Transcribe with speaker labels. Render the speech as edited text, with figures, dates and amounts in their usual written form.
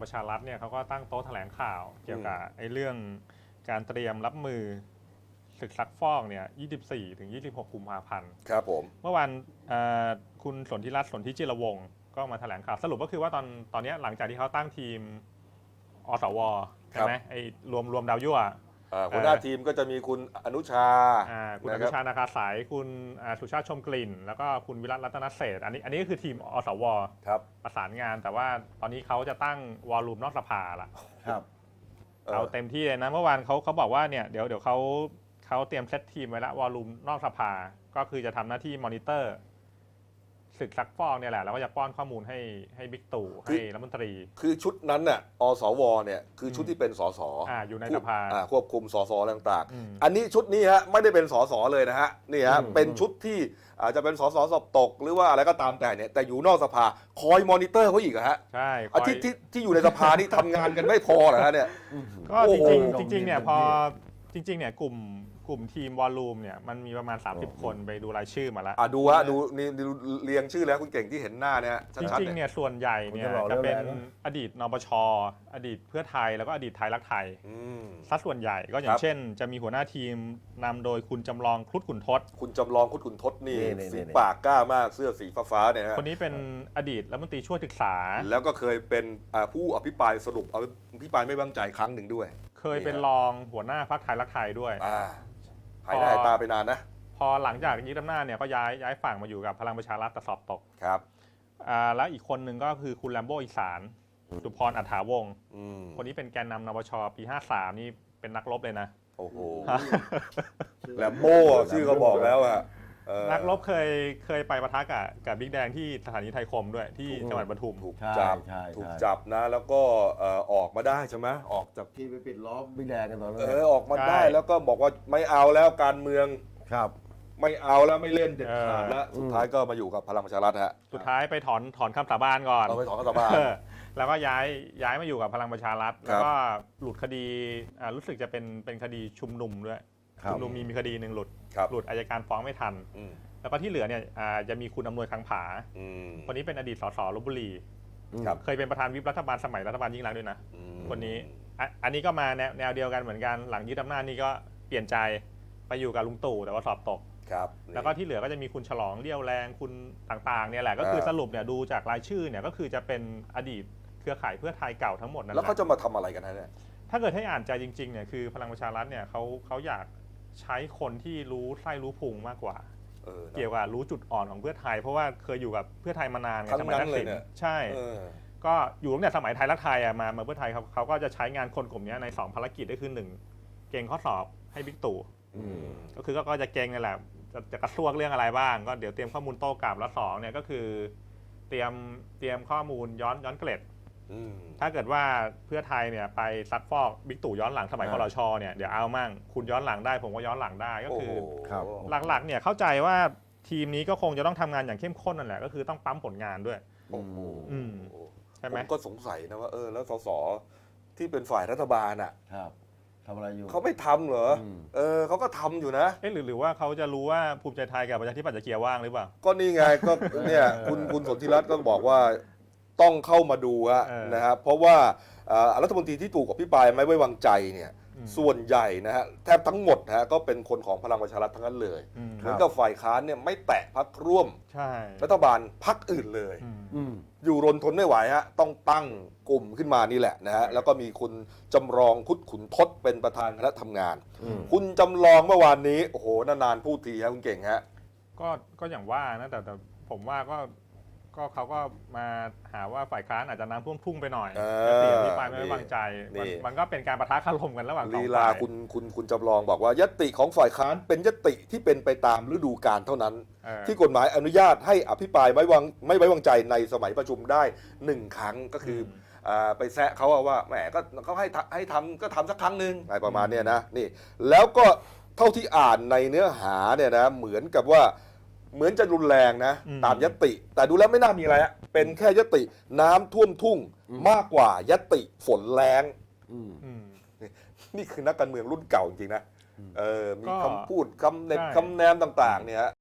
Speaker 1: ประชารัฐเนี่ยเขาก็ตั้งโต๊ะแถลงข่าวเกี่ยวกับไอ้เรื่องการเตรียมรับมือศึกซักฟอกเนี่ย 24 ถึง 26 กุมภาพันธ์
Speaker 2: ครับผม
Speaker 1: เมื่อวานคุณสนธิรัตน์ สนธิจิรวงศ์ก็มาแถลงข่าวสรุปก็คือว่าตอนนี้หลังจากที่เขาตั้งทีมอสวใช่ไหมไอ้รวมดาวยั่ว
Speaker 2: หัวหน้าทีมก็จะมีคุณอนุชา
Speaker 1: คุณอนุชานาคาสายคุณสุชาติชมกลิ่น แล้วก็คุณวิรัตรัตนเศรษฐ์อันนี้ก็คือทีมอสว
Speaker 2: ครับ
Speaker 1: ประสานงานแต่ว่าตอนนี้เขาจะตั้งวอลลุ่มนอกสภาละ
Speaker 3: ครับ
Speaker 1: เอาเต็มที่เลยนะเมื่อวานเขาบอกว่าเนี่ยเดี๋ยวเขาเตรียมเซตทีมไว้แล้ววอลลุ่มนอกสภาก็คือจะทำหน้าที่มอนิเตอร์ศึกซักฟอกเนี่ยแหละแล้วก็จะป้อนข้อมูลให้บิ๊กตู่ให้รัฐมนตรี
Speaker 2: คือชุดนั้นน่ะอสวเนี่ยคือชุดที่เป็นสส
Speaker 1: อยู่ในสภา
Speaker 2: ควบคุมสสต่างๆอันนี้ชุดนี้ฮะไม่ได้เป็นสสเลยนะฮะนี่ฮะเป็นชุดที่อาจจะเป็นสสสอบตกหรือว่าอะไรก็ตามแต่เนี่ยแต่อยู่นอกสภาคอยมอนิเตอร์เขาอีกฮะ
Speaker 1: ใช่
Speaker 2: ที่อยู่ในสภานี่ทำงานกันไม่พอเหรอฮะเนี่ย
Speaker 1: ก็จริงเนี่ยพอจริงเนี่ยกลุ่มทีมวอลลุ่มเนี่ยมันมีประมาณ30 คนไปดูรายชื่อมาแล้ว
Speaker 2: ดูฮะดูนี่เรียงชื่อแล้วคุณเก่งที่เห็นหน้าเนี่ย
Speaker 1: จริงๆเนี่ยส่วนใหญ่เนี่ยจะเป็นอดีตนปชอดีตเพื่อไทยแล้วก็อดีตไทยรักไทยซะส่วนใหญ่ก็อย่างเช่นจะมีหัวหน้าทีมนำโดยคุณจำลองครุฑขุนทศ
Speaker 2: คุณจำลองครุฑขุนทศนี่สีปากกล้ามากเสื้อสีฟ้าเนี่ยฮะ
Speaker 1: คนนี้เป็นอดีตรัฐมนตรีช่วยศึกษา
Speaker 2: แล้วก็เคยเป็นผู้อภิปรายสรุปอภิปรายไม่ไว้วางใจครั้งหนึ่งด้วย
Speaker 1: เคยเป็นรองหัวหน้าพรรคไทยรักไทยด้วย
Speaker 2: หายหน้าหายตาไปนานนะ
Speaker 1: พอหลังจากยึดอำนาจเนี่ยก็ย้ายฝั่งมาอยู่กับพลังประชารัฐแต่สอบตก
Speaker 2: ครับ
Speaker 1: แล้วอีกคนหนึ่งก็คือคุณแลมโบอีสานสุพรอัฏฐาวงศ์คนนี้เป็นแกนนำนปชปี53นี่เป็นนักรบเลยนะ
Speaker 2: โอ้โหแลมโบชื่อเขาบอกแล้วอะ
Speaker 1: นักรบเคยไปปะทะกับบิ๊กแดงที่สถานีไทยคมด้วยที่จังหวัดปทุม
Speaker 2: ถูกจับนะแล้วก็ออกมาได้ใช่ไหมออกจาก
Speaker 3: ที่ไปปิดล้อมบิ๊กแดงกันตอนนั้น
Speaker 2: ออกมาได้แล้วก็บอกว่าไม่เอาแล้วการเมือง
Speaker 3: ครับ
Speaker 2: ไม่เอาแล้วไม่เล่นเด็ดขาดแล้วสุดท้ายก็มาอยู่กับพลังประชารัฐฮะ
Speaker 1: สุดท้ายไปถอนคำสาบานก่อน
Speaker 2: ไปถอนคำสาบาน
Speaker 1: แล้วก็ย้ายมาอยู่กับพลังประชารัฐแล้วก็หลุดคดีรู้สึกจะเป็นคดีชุมนุมด้วยชุมนุมมีคดีหนึ่งหลุดอัยการฟ้องไม่ทันแล้วก็ที่เหลือเนี่ยจะมีคุณอำนวยคังผาคนนี้เป็นอดีตสสลพบุรีเคยเป็นประธานวิปรัฐบาลสมัยรัฐบาลยิ่งรักษณ์ด้วยนะคนนี้อันนี้ก็มาแนวเดียวกันเหมือนกันหลังยึดอำนาจนี่ก็เปลี่ยนใจไปอยู่กับลุงตู่แต่ว่าสอบตกแล้วก็ที่เหลือก็จะมีคุณฉลองเลี้ยวแรงคุณต่างๆเนี่ยแหละก็คือสรุปเนี่ยดูจากรายชื่อเนี่ยก็คือจะเป็นอดีตเครือข่ายเพื่อไทยเก่าทั้งหมดนั่นแหละ
Speaker 2: แล้วเขาจะมาทำอะไรกันนะเนี่ย
Speaker 1: ถ้าเกิดให้อ่านใจจริงๆเนี่ยคือพลังประชารัฐเนี่ยเขาอยากใช้คนที่รู้ไส้รู้พุงมากกว่าเกี่ยวกับรู้จุดอ่อนของเพื่อไทยเพราะว่าเคยอยู่กับเพื่อไทยมานาน
Speaker 2: สมัยทักษิณ
Speaker 1: ใช่ก็อยู่ตั้งแต่สมัยไทยรักไทยมาเพื่อไทยเขาก็จะใช้งานคนกลุ่มนี้ใน2ภารกิจก็คือ1เก่งข้อสอบให้บิ๊กตู่ก็คือก็จะเก่งนั่นแหละจะกระซวกเรื่องอะไรบ้างก็เดี๋ยวเตรียมข้อมูลโต้กลับแล้ว2เนี่ยก็คือเตรียมข้อมูลย้อนเกล็ดถ้าเกิดว่าเพื่อไทยเนี่ยไปซักฟอกบิ๊กตู่ย้อนหลังสมัยครชเนี่ยเดี๋ยวเอามั่งคุณย้อนหลังได้ผมก็ย้อนหลังได้ก็คือหลักๆเนี่ยเข้าใจว่าทีมนี้ก็คงจะต้องทำงานอย่างเข้มข้นนั่นแหละก็คือต้องปั๊มผลงานด้วยใช่ไหม
Speaker 2: ผมก็สงสัยนะว่าแล้วสสที่เป็นฝ่ายรัฐบาลอ่ะ
Speaker 3: ทำอะไรอยู่
Speaker 2: เขาไม่ทำเหรอเขาก็ทำอยู่นะ
Speaker 1: หรือว่าเขาจะรู้ว่าภูมิใจไทยกับประชาธิปัตย์จะเกียร์ว่างหรือเปล่า
Speaker 2: ก็นี่ไงก็เนี่ยคุณสนธิรัตน์ก็บอกว่าต้องเข้ามาดูนะครับเพราะว่ารัฐมนตรีที่ถูกอภิปรายไม่ไว้วางใจเนี่ยส่วนใหญ่นะฮะแทบทั้งหมดนะฮะก็เป็นคนของพลังประชารัฐทั้งนั้นเลยเหมือนกับฝ่ายค้านเนี่ยไม่แตะพรรคร่วมรัฐบาลพรรคอื่นเลยอยู่รนทนไม่ไหวฮะต้องตั้งกลุ่มขึ้นมานี่แหละนะฮะแล้วก็มีคุณจำลองครุฑขุนทศเป็นประธานคณะทำงานคุณจำลองเมื่อวานนี้โอ้โหนานๆพูดทีฮะคุณเก่งฮะ
Speaker 1: ก็อย่างว่านะแต่ผมว่าก็เขาก็มาหาว่าฝ่ายค้านอาจจะน้ำท่วมทุ่งไปหน่อยเสียงที่ไปไม่ไว้วางใจมันก็เป็นการปะทะคารมกันระหว่างสองฝ่าย
Speaker 2: ลีลาคุณจำลองบอกว่ายติของฝ่ายค้านเป็นยติที่เป็นไปตามฤดูกาลเท่านั้นที่กฎหมายอนุญาตให้อภิปรายไม่ไว้วางใจในสมัยประชุมได้1 ครั้งก็คือไปแซะเขาว่าแหมก็เขาให้ทำก็ทำสักครั้งหนึ่งอะไรประมาณนี้นะนี่แล้วก็เท่าที่อ่านในเนื้อหาเนี่ยนะเหมือนกับว่าเหมือนจะรุนแรงนะตามยติแต่ดูแล้วไม่น่ามีอะไรเป็นแค่ยติน้ำท่วมทุ่งมากกว่ายติฝนแรงนี่คือนักการเมืองรุ่นเก่าจริงๆนะมีคำพูดคำแนมต่างๆเนี่ย